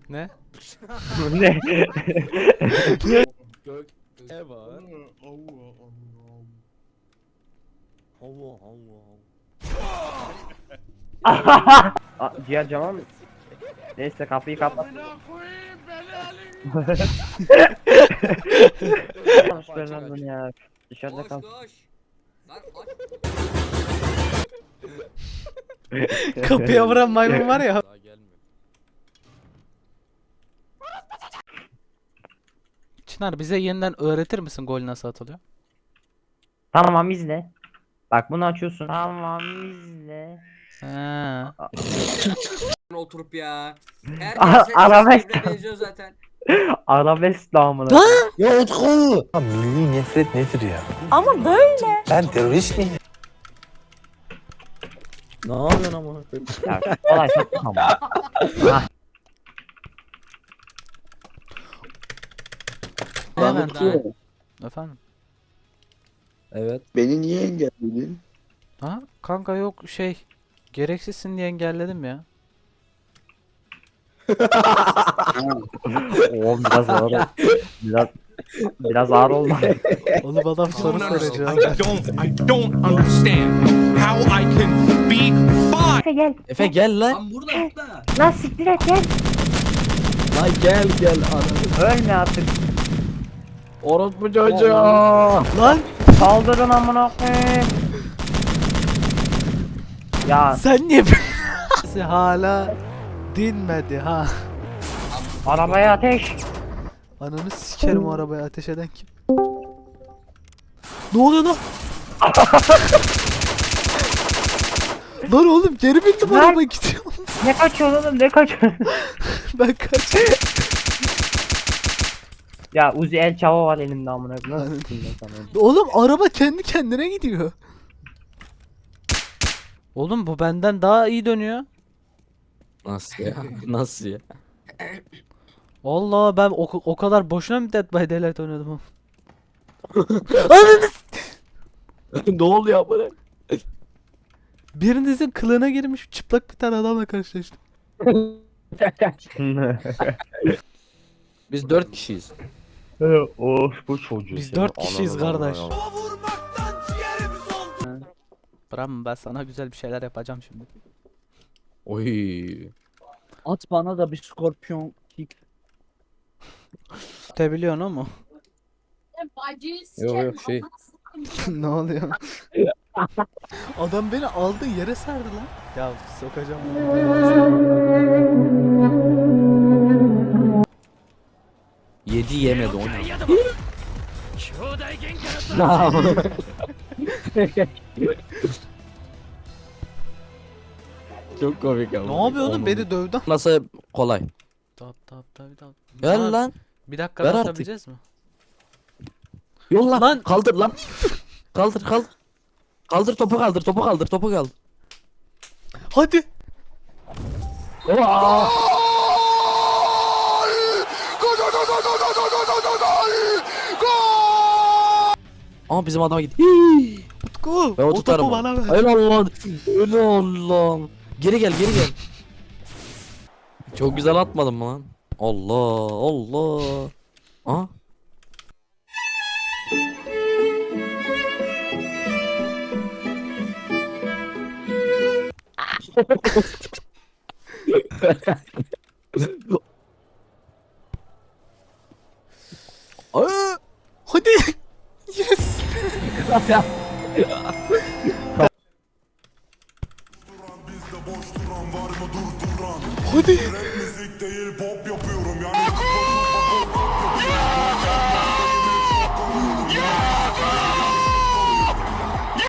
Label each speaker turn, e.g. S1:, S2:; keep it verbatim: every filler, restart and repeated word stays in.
S1: Ne?
S2: Ne?
S3: Gök ne var? Allah Allah.
S2: Aa, diğer cama mı? Neyse kapıyı kapat. Konuşlar lan bunu ya. Dışarıda
S4: Koş
S2: kal.
S4: koş. Lan aç.
S1: Kapıya vuran maymun var ya.
S3: Daha gelmiyor.
S1: Çınar bize yeniden öğretir misin gol nasıl atılıyor?
S2: Tamam izle. Bak bunu açıyorsun. Tamam izle.
S1: Ha.
S4: Oturup ya.
S2: Aha,
S4: Herkes
S2: arabesk.
S4: birbirine benziyor zaten.
S2: Arabesk namına.
S5: Ya Utku! Ya milli nefret nedir ya?
S6: Ama böyle.
S5: Ben terörist miyim?
S3: Ne yapıyorsun ama?
S2: Ya kolay çok ama. Ah,
S1: Hemen
S3: Utku.
S1: efendim.
S3: Evet.
S7: Beni niye engelledin?
S1: Ha? Kanka yok şey. Gereksizsin diye engelledim ya.
S2: oğlum biraz ağır oldu. Biraz biraz ağır oldu.
S1: Oğlum adam soru soracak.
S8: I don't, I don't understand how I can be fine.
S6: Efe gel.
S3: Efe gel lan.
S4: Lan burada burada.
S6: Lan siktir et gel.
S3: Lan gel gel anam.
S2: Ölme artık.
S3: Orospu çocuğu.
S1: Lan
S2: Saldırın amına koyayım. Ya
S1: sen niye böyle- hala dinmedi ha.
S2: arabaya ateş.
S1: Ananı sikerim o arabaya ateş eden kim? Ne oluyor lan? Lan oğlum geri bindim
S2: Lan!
S1: araba gidiyor.
S2: Ne kaçıyorsun oğlum ne kaçıyorsun?
S1: Ben kaç.
S2: Ya Uzi El Chavo var elimde amına koyayım. Nasıl sikeyim ben sana?
S1: Oğlum araba kendi kendine gidiyor. Oğlum bu benden daha iyi dönüyor.
S3: Nasıl ya? Nasıl ya?
S1: Allah ben o, o kadar boşuna mı Dead by Daylight oynadım ama. Ananı s-
S3: Ne oluyor bana?
S1: Birinizin kılığına girmiş çıplak bir tane adamla karşılaştım.
S3: Biz dört kişiyiz.
S2: Of bu çocuğu.
S1: Biz
S2: seni.
S1: dört kişiyiz
S2: Ananı
S1: kardeş.
S2: avradını.
S1: Bram ben sana güzel bir şeyler yapacağım şimdi.
S3: Oy. At bana da bir skorpiyon kick.
S1: Tebiliyorsun o mu?
S3: Yok yok şey.
S1: Ne oluyor? Adam beni aldı yere serdi lan. Ya sokacağım.
S3: Yedi yemedi onu. Çok komik ama.
S1: Ne yapıyor oğlum beni dövdü.
S3: Nasıl kolay?
S1: Tap tap tap tap.
S3: Gel
S1: Aa,
S3: lan.
S1: Bir dakika
S3: Ver artık.
S1: atabileceğiz mi?
S3: Yolla.
S1: Lan.
S3: Kaldır lan. Kaldır kaldır. Kaldır topu kaldır topu kaldır topu kaldır.
S1: Hadi.
S3: Ama bizim adama git. Hii.
S1: Utku.
S3: Ben o
S1: O
S3: tutarım.
S1: topu bana ver.
S3: Öyle Allah. Öyle Allah. Geri gel geri gel. Çok güzel atmadım mı lan? Allah Allah. Aha. Aa!
S1: Hadi. Yes. Hadi.